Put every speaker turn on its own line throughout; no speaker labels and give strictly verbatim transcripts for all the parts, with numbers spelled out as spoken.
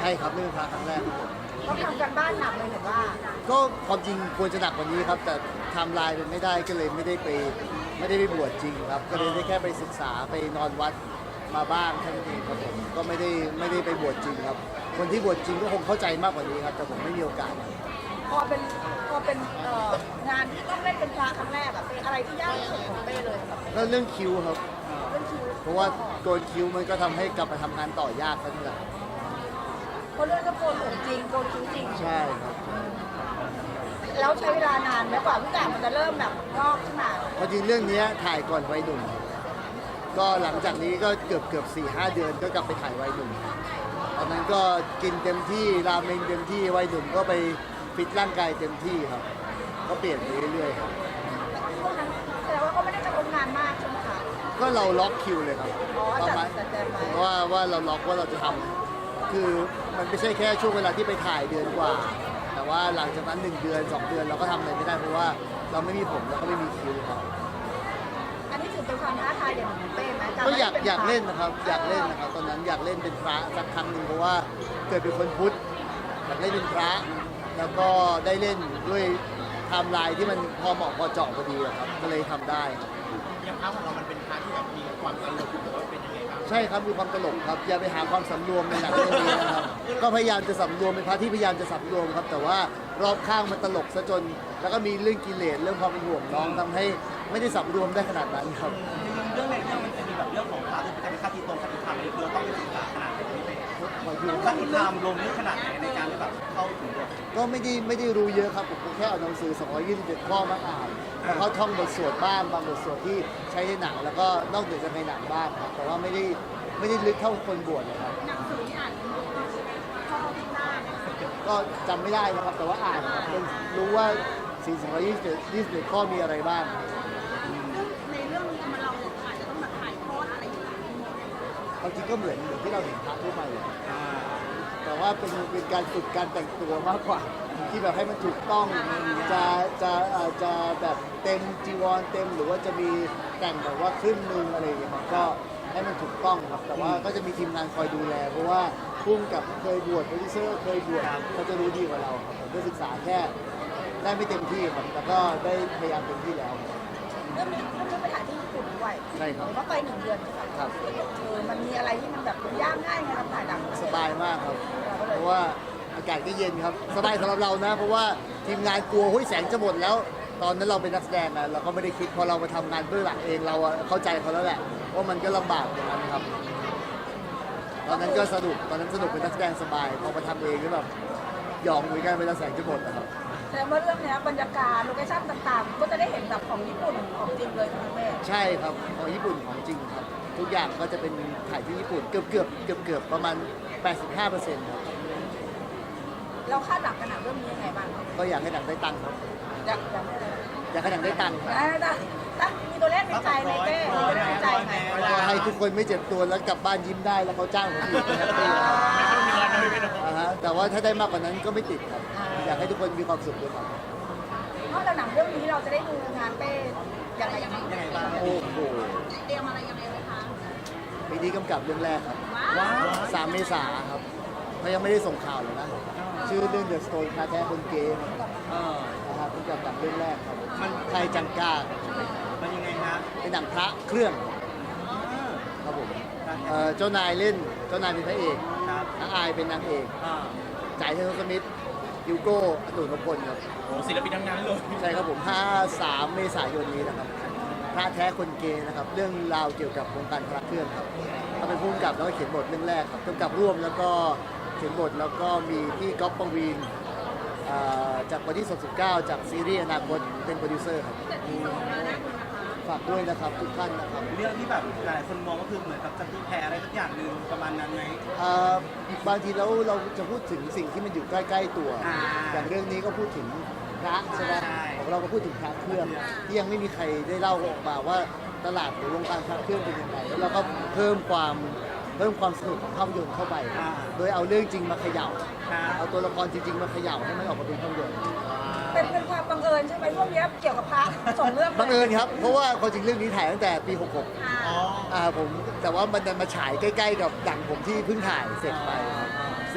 ช่ครับเรื่องพระครั้งแรกครับผม
ต้องทำกันบ้านหนักเลยเห็นว่า
ก็ความจริงควรจะหนักกว่านี้ครับแต่ไทม์ไลน์เป็นไม่ได้ก็เลยไม่ได้ไปไม่ได้ไปบวชจริงครับก็เลยได้แค่ไปศึกษาไปนอนวัดมาบ้างแค่นั้นเองครับผมก็ไม่ได้ไม่ได้ไปบวชจริงครับคนที่บวชจริงก็คงเข้าใจมากกว่านี้ครับแต่ผมไม่มีโอกาส
พอเป็นพอเป็นเอ่องานที่ต้องเล่นเป็นพระครั้งแรกอะเป็นอะไรที่ยากที่สุดของเป้เลยสำหรับ
ก็เรื่องคิวครับ
เรื่องคิว
เพราะว่าโกนคิวมันก็ทำให้กลับมาทำงานต่อยากขึ้นแหละ
เพราะเรื่องก็โกนผมจริงโกนคิ้วจริง
ใช่ครับ
แล้วใช้เวลานานไหมกว่าทุกอย่างมันจะเริ่มแบบงอกขึ้นมา
เพราะจริงเรื่องนี้ถ่ายก่อนวัยหนุ่มก็หลังจากนี้ก็เกือบเกือบสี่ห้าเดือนก็กลับไปถ่ายวัยหนุ่มตอนนั้นก็กินเต็มที่ราเมงเต็มที่วัยหนุ่มก็ไปฟิตร่างกายเต็มที่ครับก็เปลี่ยนไปเรื่อยๆครับ
พวกนั้นแสดงว่าก็ไม่ได้กระทบงานมากใช่ไหมคะ
ก็เราล็อกคิวเลยครับ
อ๋อ
ประมาณ
จัดจัดไว้
เพราะว่าว่าเราล็อกว่าเราจะทำคือมันไม่ใช่แค่ช่วงเวลาที่ไปถ่ายเดือนกว่า แต่ว่าหลังจากนั้นหนึ่งเดือนสองเดือนเราก็ทำอะไรไม่ได้เพราะว่าเราไม่มีผมแล้วก็ไม่มีคิวครับ
อันนี้ถือเป็นความท้าทายอย่างของเป้ไหม
ก็อยาก
ป็น
อยาก
พระ
เล่นนะครับอยากเล่นนะครับตอนนั้นอยากเล่นเป็นพระสักครั้งหนึ่งเพราะว่าเกิดเป็นคนพุทธอยากเล่นเป็นพระ แล้วก็ได้เล่นด้วยไทม์ไลน์ที่มันพอเหมาะพอเจาะพอดีอะครับก็เลยทำได้ครับ
อย่างพระของเรามันเป็นพระที่แบบมีความตลกหรือว่าเป็นยังไงครับ
ใช่ครับมีความตลกครับอย่าไปหาความสำรวมในหนังเรื่องนี้นะครับก็พยายามจะสำรวมเป็นพระที่พยายามจะสำรวมครับ แต่ว่ารอบข้างมันตลกซะจน แล้วก็มีเรื่องกิเลสเรื่องความเป็นห่วงน้องทำให้ไม่ได้สำรวมได้ขนาดนั้นครับ
เรื่องในเรื่องมันจะมีแบบเรื่องของพระที่เป็นคติตรงคติธรรมนี่คือเราต้องไปศึกษาขนาดไหนพี่เป้
ขอดู
คติธรรมลงลึกขนาดไหนในการที่แบบเข้าถึงบท
ก็ไม่ได้ไม่ได้รู้เยอะครับผมก็แค่เอาหนังสือสองร้อยยี่สิบเจ็ดข้อมาอ่านแล้วก็ท่องบทสวดบ้างบางบทสวดที่ใช้ในหนังแล้วก็นอกเหนือจากในหนังบ้างครับแต่ว่าไม่ได้ไม่ได้ลึกเท่าคนบวชเลยครับ
หนังสือที่อ่านข้อพิพาท
ก็จำไม่ได้นะครับแต่ว่าอ่านครับเป็นรู้ว่าสี่สองร้อยยี่สิบเจ็ดยี่สิบเจ็ดข้อมีอะไรบ้าง
ในเรื่องนี้มันเราอาจจะต้องแบบถ่ายทอดอะไรอย่างเงี้ย
ความจริงก็เหมือนเหมือนที่เราเห็นพระทั่วไปเลยแต่ว่าเป็นเป็นการฝึกการแต่งตัวมากกว่า ที่แบบให้มันถูกต้องจะจะเอ่อจะแบบเต็มจีวรเต็มหรือว่าจะมีแต่งแบบว่าครึ่งหนึงอะไรอย่างเงี้ยครับก็ให้มันถูกต้องครับแต่ว่าก็จะมีทีมงานคอยดูแล เพราะว่าพุ่งกับเคยบวชโปรดิวเซอร์เคยบวชเขาจะรู้ดีกว่าเราครับผมก็ศึกษาแค่ได้ไม่เต็มที่ครับแต่ก็ได้พยายามเต็มที่แล้ว
เรื่องนี้เรื่องไปถ่ายที่ญี่ปุ่นด้วย
ใช่ครับ
เห็นว่าไปหนึ่งเดือน
ครับ
เออมันมีอะไรที่มันแบบยากง่ายไงเราถ่ายหนัง
สบายมากครับ เพราะว่าอากาศก็เย็นครับ สบายสำหรับเรานะ เพราะว่าทีมงานกลัวหุ้ยแสงจะหมดแล้ว ตอนนั้นเราเป็นนักแสดงนะเราก็ไม่ได้คิดพอเรามาทำงานเบื้องหลังเองเราอะเข้าใจเขาแล้วแหละว่ามันก็ลำบากอย่างนั้นครับ ตอนนั้นก็สนุกตอนนั้นสนุกเป็นนักแสดงสบายพอมาทำเองก็แบบหยองเหมือนกันเวลาแสงจะหมดนะครับ
แต่เมื่อเรื่องเนี้ยบรรยากาศโลเคชั่นต่างๆ ก็จะได้เห็นแบบของญี่ปุ่นของจริงเลยทั้งแม่
ใช่ครับของญี่ปุ่นของจริงครับ ทุกอย่างก็จะเป็นถ่ายที่ญี่ปุ่นเกือบเกือบเกือบเกือบประมาณ แปดสิบห้าเปอร์เซ็นต์ ครับ
เราคาดหวังกันหนังเรื่องนี้ยังไงบ้าง
ก็อยากให้หนังได้ตังค์ครับ
อยากอยากได้อะไร
อยากให้หนังได้ตังค์ครับ
ได้ได้ได้มีตัวเลขในใจไหมเป้มีตัวเลขในใจไหม
ก็ให้ทุกคนไม่เจ็บตัวแล้วกลับบ้านยิ้มได้แล้วเขาจ้างผมอีกก็แฮปปี้ครับอ่าฮะแต่ว่าถ้าได้มากกว่านั้นก็ไม่ติดครับ อยากให้ทุกคนมีความสุขด้วยครับ
นอกจากหนังเรื่องนี้เราจะได้ดูงานเป้ยังไงยังไง
ยังไงบ้าง
โอ้โห
เตรียมอะไรยังไงไหมคะ
ปีนี้กำกับเรื่องแรกครับ
ว้าว
สามเมษาครับเขายังไม่ได้ส่งข่าวเลยนะ ชื่อเรื่อง The Stone คาแท้คนเกย์ครับ
เออ
นะครับเป็นกำกับเรื่องแรกครับมันไทยจังกา
มันยังไงฮะ
เป็นหนังพระเครื่อง
อ่า
ครับผมเอ่อเจ้านายเล่นเจ้านายเป็นพระเอก
ครับ
นางอายเป็นนางเอก
อ่า
จ่ายเทนสมิธยูโก้อตุลนพลครับ
โอ้ศิลปินทั้งนั้นเลย
ใช่ครับผม ห้าสาม เมษายนนี้นะครับพระแท้คนเกย์นะครับ เรื่องราวเกี่ยวกับวงการพระเครื่องครับเขาเป็นผู้กำกับแล้วก็เขียนบทเรื่องแรกครับกำกับร่วมแล้วก็เขียนบทแล้วก็มีพี่ก๊อฟปวีนเอ่อจากวันที่สดสิบเก้าจากซีรีส์อนาคตเป็นโปรดิวเซอร์ครับฝากด้วยนะครับทุกท่านนะครับ
เรื่องที่แบบหลายคนมองก็คือเหมือนกับจะมีแพ้อะไรสักอย่างหนึ่งประมาณนั้นไหม
เอ่อบางทีแล้วเราจะพูดถึงสิ่งที่มันอยู่ใกล้ๆตัว
อ่า
อย่างเรื่องนี้ก็พูดถึงพระใช่ไหม
ใช่
ของเราก็พูดถึงพระเครื่องที่ยังไม่มีใครได้เล่าออกมาว่าตลาดหรือวงการพระเครื่องเป็นยังไงแล้วเราก็เพิ่มความเพิ่มความสนุกของภาพยนตร์เข้าไป โดยเอาเรื่องจริงมาเขย่า
ครับ
เอาตัวละครจริงๆมาเขย่าให้มันออกมาเป็นภาพยนตร์
เป็นเป็นความบังเอิญใช่ไหมเรื่องนี้เกี่ยวกับพระสองเรื่อง
บังเอิญครับเพราะว่าความจริงเรื่องนี้ถ่ายตั้งแต่ปีหกหก
อ๋อ
อ่าผมแต่ว่ามันดันมาฉายใกล้ๆกับดังผมที่เพิ่งถ่ายเสร็จไปครับ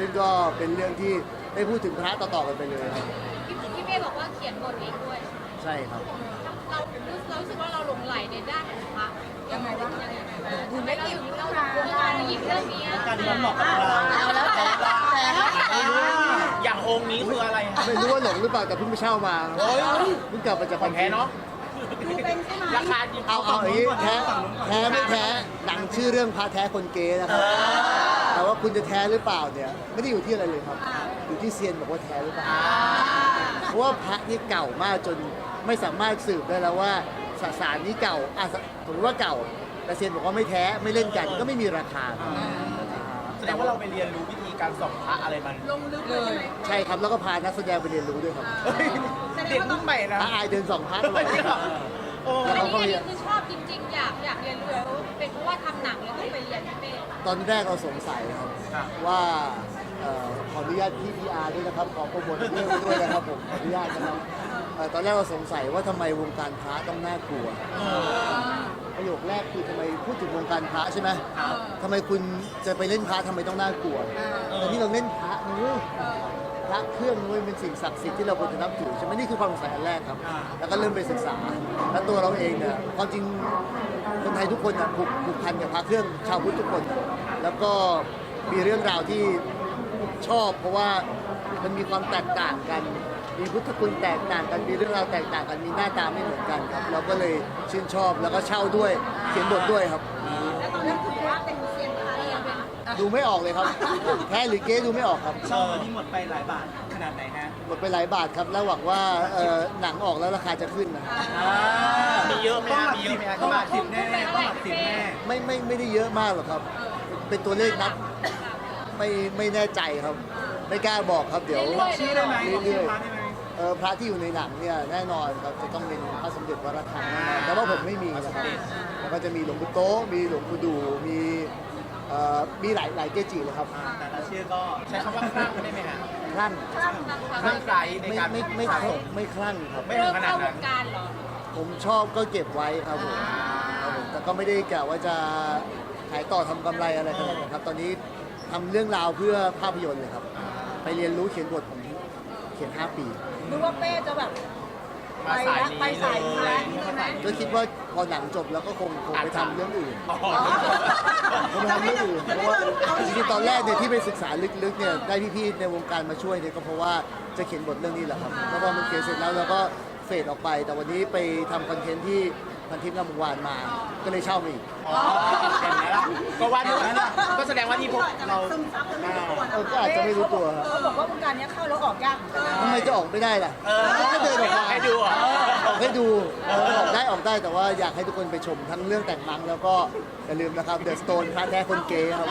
ซึ่งก็เป็นเรื่องที่ได้พูดถึงพระต่อๆกันไปเลยครับ
พี่พี่เป้บอกว่าเขียนบทเองด้วย
ใช่ครับ
เราเรารู้สึกว่าเราหลงไหลในด้านของพระ
ยังไงบ้าง
ยังไงบ้าง
ถึงได้หยิบ
เรา
ขึ้น
เรา
มา
เราหยิบเรื่องนี้
การที่มันเหมาะกับเรา
เอาแล้วแต่แต่
อย่างองค์นี้คืออะไรฮะ
ไม่รู้ว่าหลงหรือเปล่าแต่เพิ่งไปเช่ามาเพิ่งกลับมาจาก
ของแท้เนาะ
ดูเป็นใช่ไหม
ราคาจริง
เอาเอาอย่างนี้แท้แท้ไม่แท้หนังชื่อเรื่องพระแท้คนเกย์นะครับแต่ว่าคุณจะแท้หรือเปล่าเนี่ยไม่ได้อยู่ที่อะไรเลยครับ อยู่ที่เซียนบอกว่าแท้หรือเปล่าเพราะว่าพระนี่เก่ามากจนไม่สามารถสืบได้แล้วว่าสสารนี้เก่าอ่ะสมมติว่าเก่าแต่เซียนบอกว่าไม่แท้ไม่เล่นกันก็ไม่มีราคาครับ
แสดงว่าเราไปเรียนรู้วิธีการส่องพระอะไรมัน
ลงลึกเลยใช่ไหม
ใช่ครับแล้วก็พานักแสดงไปเรียนรู้ด้วยครับ
เด็กรุ่นใหม่นะ
พระอายเดินสองพระตลอด
โอ้
อันนี้อันนี้คือชอบจริง ๆ อยากอยากเรียนรู้แล้วเป็นเพราะว่าทำหนังแล้วต้องไปเรียนพี่เป้
ตอนแรกเราสงสัยครับว่าเอ่อขออนุญาตพี่พีอาร์ด้วยนะครับขอโปรโมทเรื่องด้วยนะครับผมขออนุญาตนะครับเอ่อตอนแรกเราสงสัยว่าทำไมวงการพระต้องน่ากลัวประโยคแรกคือทำไมพูดถึงวงการพระใช่ไหมทำไมคุณจะไปเล่นพระทำไมต้องน่ากลัวแต่ที่เราเล่นพระนะเว้ยพระเครื่องนะเว้ยเป็นสิ่งศักดิ์สิทธิ์ที่เราควรจะนับถือใช่ไหมนี่คือความสงสัยอันแรกครับ แล้วก็เริ่มไปศึกษา แล้วตัวเราเองเนี่ยความจริงคนไทยทุกคนน่ะผูกผูกพันกับพระเครื่องชาวพุทธทุกคนน่ะแล้วก็มีเรื่องราวที่ชอบ เพราะว่ามันมีความแตกต่างกัน มีพุทธคุณแตกต่างกัน มีเรื่องราวแตกต่างกัน มีหน้าตาไม่เหมือนกันครับ เราก็เลยชื่นชอบแล้วก็เช่าด้วย เขียนบทด้วยครับ
แล้วตอนนั้นถือว่าเป็นเซียนพระยังเป็น
ดูไม่ออกเลยครับ แท้หรือเก๊ดูไม่ออกครับ
เช่านี่หมดไปหลายบาทขนาดไหนฮะ
หมดไปหลายบาทครับ แล้วหวังว่าเอ่อหนังออกแล้วราคาจะขึ้นนะ
มีเยอะไหมฮะมีเยอะไหมฮะต้องหลักสิบแน่ต้องหลักสิบแน่
ไม่ไม่ไม่ได้เยอะมากหรอกครับ เป็นตัวเลขนับไม่ไม่แน่ใจครับ ไม่กล้าบอกครับเดี๋ยว
ชื่อได้ไหม
เรื่อย
พระได้ไหม
ๆเออพระที่อยู่ในหนังเนี่ยแน่นอนครับจะต้องเป็นพระสมเด็จวรธรรมแน่นอนแต่ว่าผมไม่มีนะครับแล้วก็จะมีหลวงปู่โต๊ะมีหลวงปู่ดูมีเอ่อมีหลายหลายเกจิเลยครับ
แต่ละชื่อก็ใช้คำว่าคลั่งได้ไหมฮะ
คลั่ง
คลั่งไกลใน
ไม่
การ
ไม่ไม่
สะสม
ไม่คลั่งครับ
ไม่ถึ
เริ่
ง
ม
ขนา
เข้า
ด
ว
นั้น
งการเหรอ
ผมชอบก็เก็บไว้ครับผมครับผมแต่ก็ไม่ได้กะว่าจะขายต่อทำกำไรอะไรขนาดนั้นครับ ตอนนี้ทำเรื่องราวเพื่อภาพยนตร์เลยครับ ไปเรียนรู้เขียนบทผมเขียน ห้า ปี
ดูว่าเป้จะแบบ
มาสายนี้
ไปสายพระ
เลย
ใช่ไหม
ก็คิดว่าพอหนังจบแล้วก็คงคงไปทำเรื่องอื่น
อ๋อ
คงไปทำเรื่องอื่นเพราะว่าจริงๆตอนแรกเนี่ยที่ไปศึกษาลึกๆเนี่ยได้พี่ๆในวงการมาช่วยเนี่ยก็เพราะว่าจะเขียนบทเรื่องนี้แหละครับแล้วพอมันเขียนเสร็จแล้วเราก็เฟดออกไป แต่วันนี้ไปทำคอนเทนต์ที่พันทิพย์งามวงวานมา ก็เลยเช่ามาอีก
อ๋อเห็นไหมล่ะก็ว่าอยู่นั่นน่ะก็แสดงว่าที่พวกเรา
ซึมซับกันไม่รู้ตัว
เออก็อาจจะไม่รู้ตัวครับ
เขาบอกว่าวงการนี้เข้าแล้วออกยากเหมือนกัน
ทำไมจะออกไม่ได้ล่ะ
เออ
ก็เดินออกมา
ให้ดูเหรอ
ออกให้ดูเออออกได้ออกได้แต่ว่าอยากให้ทุกคนไปชมทั้งเรื่องแต่งมังแล้วก็อย่าลืมนะครับ The Stone พระแท้คนเกย์ครับ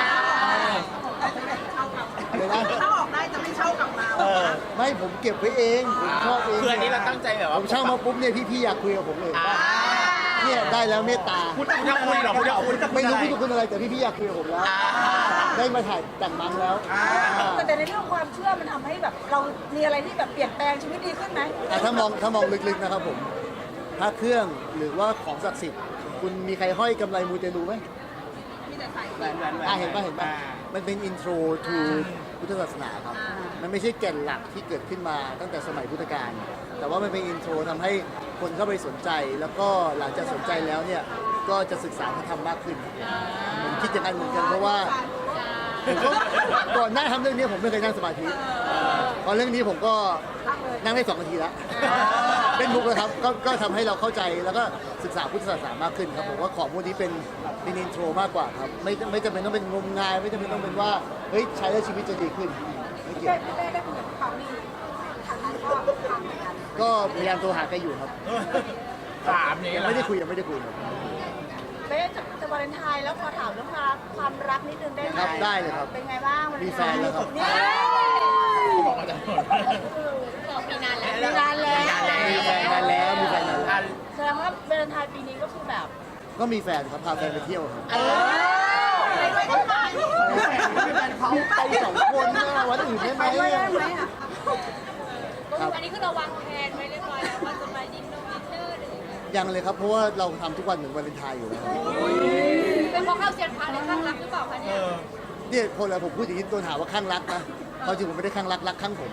เลยนะ
ถ้าออกได้จะไม่เช่ากลับมา
เออ
ไม่ผมเก็บไว้เองผมชอบเอง
คืออันนี้เราตั้งใจแบบว่า
ผมเช่ามาปุ๊บเนี่ยพี่ๆอยากคุยกับผมเลยว่าเนี่ยได้แล้วเมตตา
พูดจะคุยเหรอพูดจะคุย
ไม่รู้พี่ทุกคนอะไรแต่พี่ๆอยากคุยกับผมแล้ว ได้มาถ่ายแต่งมังแล้ว
แต่ในเรื่องความเชื่อมันทำให้แบบเรามีอะไรที่แบบเปลี่ยนแปลงชีวิตดีขึ้นไหม
อ่ะถ้ามองถ้ามองลึกๆนะครับผมพระเครื่องหรือว่าของศักดิ์สิทธิ์คุณมีใครห้อยกำไรมูเตลูไหม
มีแต่ใส่
แหวนแหวนแหวน
อ่ะเห็นป่ะเห็นป่ะมันเป็นอินโทรทูพุทธศาสนาครับ มันไม่ใช่แก่นหลักที่เกิดขึ้นมาตั้งแต่สมัยพุทธกาลแต่ว่ามันเป็นอินโทรทำให้คนเข้าไปสนใจ แล้วก็หลังจากสนใจแล้วเนี่ยก็จะศึกษาพระธรรมมากขึ้นผมคิดอย่างนั้นเหมือนกันเพราะว่าผมก็ก่อนหน้าทำเรื่องนี้ผมไม่เคยนั่งสมาธิตอนเรื่องนี้ผมก็นั่งได้สองนาทีแล้วเป็นมุกนะครับก็ก็ทำให้เราเข้าใจแล้วก็ศึกษาพุทธศาสนามากขึ้นครับผมว่าของพวกนี้เป็นเป็นอินโทรมากกว่าครับไม่ไม่จำเป็นต้องเป็นงมงาย ไม่จำเป็นต้องเป็นว่าเฮ้ยใช้แล้วชีวิตจะดีขึ้นไม่เกี่ยว
เป้ได้คุยกับเขานี่ทางนั้นก็ทำเหมือนกัน
ก็พยายามโทรหาแกอยู่ครับ
ถามอย่าง
ยั
นี้
ง
เหรอ
ไม่ได้คุยยังไม่ได้คุยครับ
เป้จะจะวาเลนไทน์แล้วขอถามเรื่องความรักความรักนิดนึงได้ไหม
ครับได้เลยครับ
เป็นไงบ้างวาเล
มี
น
แฟ
ไท
น
น์
แล้วครับ
นี่
บอกมาจากไหน
บอกมีนานแล้ว
มีนานแล้ว
มีแฟนนานแล้วมีแฟนนานแล้ว
แสดงว่าวาเลนไทน์ปีนี้ก็คือแบบ
ก็มีแฟนครับพาแฟนไปเที่ยวครับ
เออไปด้วยกันไหม
เขาไปสองคนนะวันอื่นได้ไหม
ไปด้วยได้ไหมอ่ะ
ครับ
อันนี้คือเราวางแผนไว้เรียบร้อยแล้วว่าจะไปดินนงดินเนอร์หรือยังไง
ยังเลยครับเพราะว่าเราทำทุกวันเหมือนวาเลนไทน์อยู่แล้วครับ
เป็นเพราะเข้าเซียนพระในข้างรักหรือเปล่าคะเนี่ย
ผเนี่ยคนเราผมพูดอย่างนี้ตัวถามว่าข้างรักนะความจริงผมไม่ได้ข้างรักรักข้างผม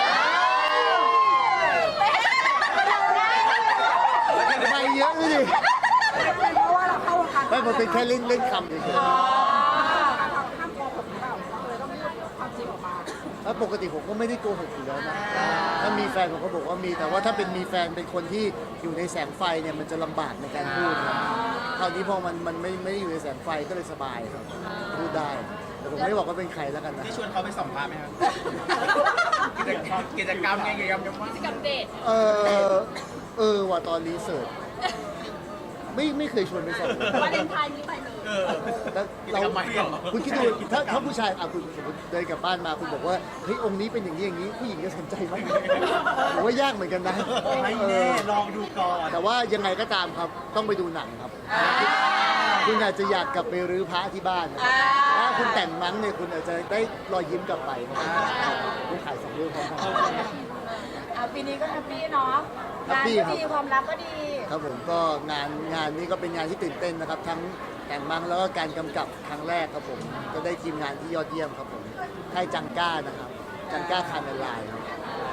ไม่เยอะเลยดิ
เป็นเพราะว่าเราเข้าวงการ
ไม่ผมเป็นแค่เล่นเล่นคำเฉย
ห้ามโกหกหรือเปล่าเลยต้องพูดความจริงออกมา
ๆแล้วปกติผมก็ไม่ได้โกหกอยู่แล้วนะถ้ามีแฟนผมก็บอกว่ามีแต่ว่าถ้าเป็นมีแฟนเป็นคนที่อยู่ในแสงไฟเนี่ยมันจะลำบากในการพูดครับคราวนี้พอมันมันไม่ไม่ได้อยู่ในแสงไฟก็เลยสบายครับพูดได้แต่ผมไม่ได้บอกว่าเป็นใครแล้วกันนะ
ที่ชวนเขาไปส่องพระไหมครับกิจกรรมกิจกรรมไงกิจกรรมยังว่า
กิจกรรมเดท
เออเออว่าตอนรีเสิร์ชไม่ไม่เคยชวนไปสอบเลย
วาเลนไทน์นี้ไปเลย
เออ
แล้วเรา
ทำไมเหรอ
คุณคิดดูถ้าถ้าผู้ชายอ่ะคุณสมมติเดินกลับบ้านมาคุณบอกว่าเฮ้ยองค์นี้เป็นอย่างนี้อย่างนี้ผู้หญิงจะสนใจไหมผมว่ายากเหมือนกันนะ
ไม่
เอ
แน่
อ
ลองดูก่อน
แต่ว่ายังไงก็ตามครับต้องไปดูหนังครับ คุณอาจจะอยากกลับไปรื้อพระที่บ้านนะครับถ้าคุณแต่งมั้งเนี่ยคุณอาจจะได้รอยยิ้มกลับไปนะครับคุณขายสองเรื่องพร้อมกัน
อ่ะปีนี้ก็แฮปปี้เนาะ
แฮป
งาน
ปี้
ก็
ครับ
ดีความรักก็ดี
ครับผมก็งานงานนี้ก็เป็นงานที่ตื่นเต้นนะครับ ทั้งแต่งมังแล้วก็การกำกับครั้งแรกครับผมก็ได้ทีมงานที่ยอดเยี่ยมครับผมค่ายจังก้านะครับจังก้าคาเมลไลน์ครับ